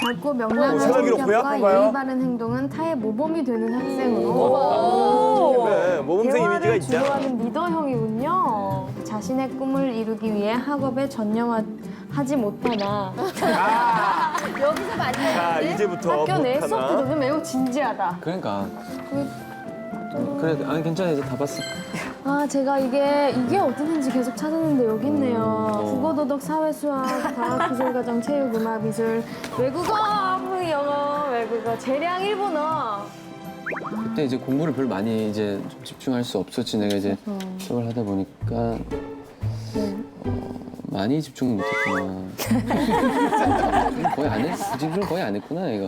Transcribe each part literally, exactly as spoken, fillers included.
밝고 명랑한 생활기록 성격과 고약한가요? 예의 바른 행동은 타의 모범이 되는 학생으로 네, 모범생 이미지가 대화를 있잖아. 주도하는 리더형이군요. 자신의 꿈을 이루기 위해 학업에 전념하지 못하나 여기서 많이 자, 이제부터 학교 내 못하나? 수업들은 매우 진지하다. 그러니까. 그래, 아니 괜찮아 이제 다 봤어. 아 제가 이게 이게 어디든지 계속 찾았는데 여기 있네요. 국어, 도덕, 사회, 수학, 과학, 기술, 과정, 체육, 음악, 미술, 외국어, 영어, 외국어, 재량, 일본어. 그때 이제 공부를 별로 많이 이제 좀 집중할 수 없었지. 내가 이제 수업을 하다 보니까 네. 어, 많이 집중을 못했구나. 집중 거의 안 했, 집중 거의 안 했구나 얘가.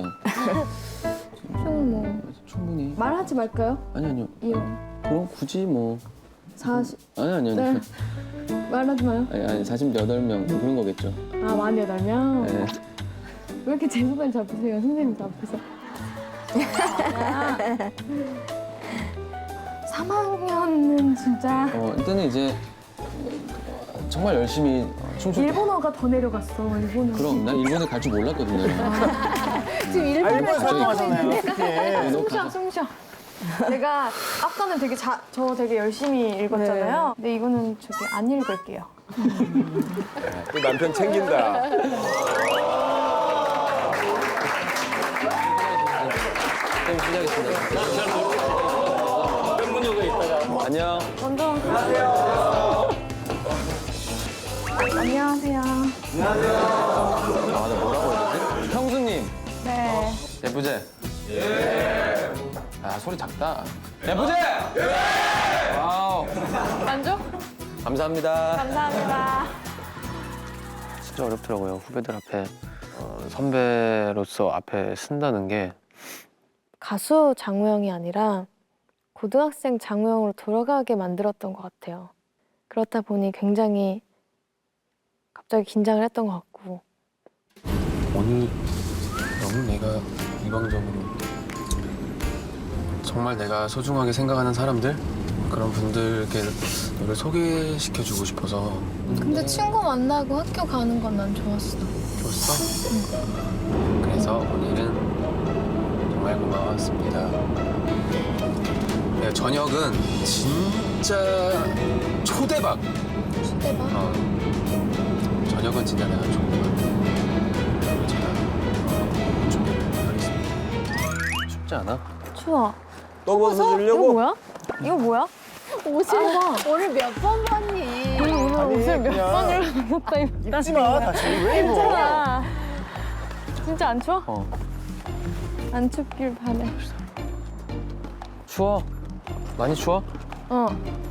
좀 뭐 충분히. 말하지 말까요? 아니 아니요. 이용 그럼 굳이 뭐. 사십 아니 아니 아니. 네. 말하지 마요. 아니 아니 사십여덟 명 그런 거겠죠. 아 만여덟 명. 네. 왜 이렇게 제 손을 잡으세요, 선생님 앞에서? 삼 학년은 진짜 어 이때는 이제 정말 열심히 춤출 때. 일본어가 더 내려갔어. 일본어. 그럼 난 일본에 갈 줄 몰랐거든요. 지금 아, 일본어 일본에 활동하잖아요. 어떻게. 너 숨쉬어, 숨쉬어. 제가 아까는 되게 자, 저 되게 열심히 읽었잖아요. 근데 이거는 저기 안 읽을게요. 또 남편 챙긴다. 네, 시작했습니다. 안녕. 먼저 안녕하세요. 안녕하세요. 아, 나 뭐라고 해야 되지? 형수님. 네. 예쁘제? 예. 아, 소리 작다. 예쁘제? 예. 와우. 만족? 감사합니다. 감사합니다. 진짜 어렵더라고요. 후배들 앞에 어, 선배로서 앞에 쓴다는 게. 가수 장우영이 아니라 고등학생 장우영으로 돌아가게 만들었던 것 같아요. 그렇다 보니 굉장히 갑자기 긴장을 했던 것 같고. 오늘 너무 내가 일방적으로 정말 내가 소중하게 생각하는 사람들 그런 분들께 너를 소개시켜주고 싶어서. 근데 친구 만나고 학교 가는 건 난 좋았어. 좋았어? 응. 그래서 오늘은 정말 고마웠습니다. 네, 저녁은 진짜 초대박. 초대박? 어, 저녁은 진짜 내가 초대박. 제가 어, 준비를 하겠습니다. 춥지 않아? 추워. 떡버섯 이거 주려고? 뭐야? 이거 뭐야? 옷을 봐. 오늘 몇 번 봤니? 오늘 오늘 아니, 옷을 몇 그냥 번을 입었다 입다. 입지 마, 다시. 왜 입어? 괜찮아. 진짜 안 추워? 어. 안 춥길 바래. 추워? 많이 추워? 어.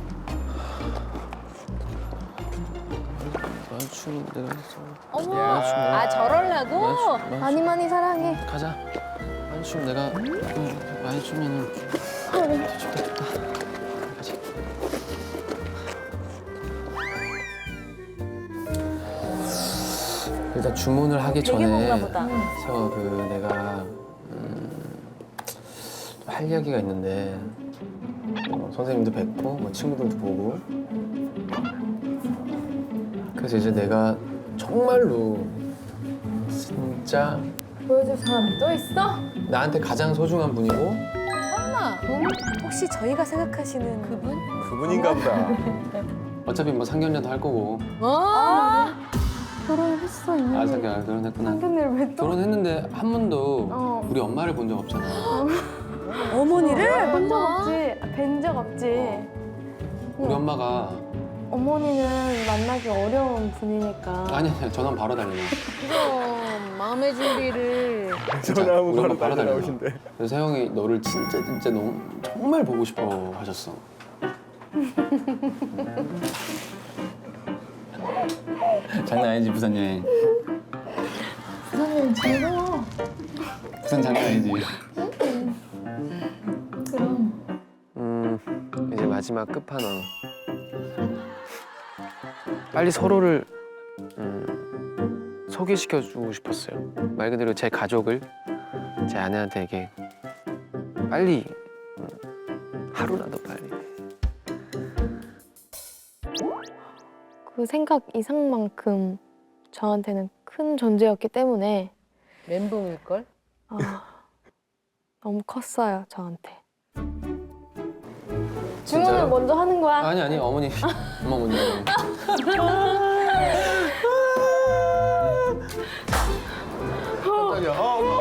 많이 추운 내가 했어. 어머, 많이 추워. 아 저럴라고? 많이 추워. 많이 많이 많이 사랑해. 추워. 가자. 많이 추면 내가 음, 많이 추면은 더 춥다 춥다. 가자. 일단 주문을 하기 되게 전에 뭔가 보다. 그래서 그 내가 음, 할 이야기가 있는데 어, 선생님도 뵙고 뭐 친구들도 보고 그래서 이제 내가 정말로 진짜 보여줄 사람이 또 있어? 나한테 가장 소중한 분이고 설마 혹시 저희가 생각하시는 그분? 그분인가 보다. 어차피 뭐 상견례도 할 거고 어? 결혼했어 이미. 아 상견 결혼했구나. 상견례를 왜 또? 결혼했는데 한 번도 어. 우리 엄마를 본 적 없잖아. 어머니를? 본 적 없지. 뵌 적 없지. 우리 엄마가 어머니는 만나기 어려운 분이니까. 아니 아니 전화 바로 달려. 그럼 마음의 준비를. 전화하면 우리 바로 엄마 바로 달려 달려. 나오신대. 그래서 형이 너를 진짜 진짜 너무 정말 보고 싶어 하셨어. 장난 아니지 부산 여행. 부산 여행 즐거워. 부산 장난 아니지. 그럼. 음 이제 마지막 끝판왕. 빨리 서로를 음, 소개시켜주고 싶었어요. 말 그대로 제 가족을 제 아내한테 이게 빨리 음, 하루라도 빨리. 그 생각 이상만큼 저한테는 큰 존재였기 때문에 멘붕일걸? 너무 컸어요, 저한테. 주문을 진짜요? 먼저 하는 거야. 아니 아니 어머니 엄마 먼저. 깜짝이야. 어,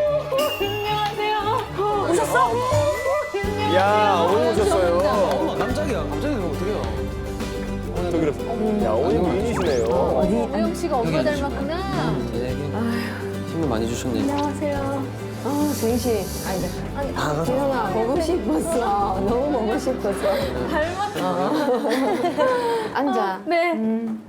야, 어머니 오셨어요. 엄마 깜짝이야. 갑자기 그러면 어떡해요? 저 그래. 야, 어머니 미인이시네요. 혜영 씨가 엄마 닮았구나. 되게 힘을 많이 주셨네. 안녕하세요. 아, 정희 씨. 아니다. 재현아, 보고 싶었어. 너무 보고 싶었어. 닮았다. 앉아. 네. 음.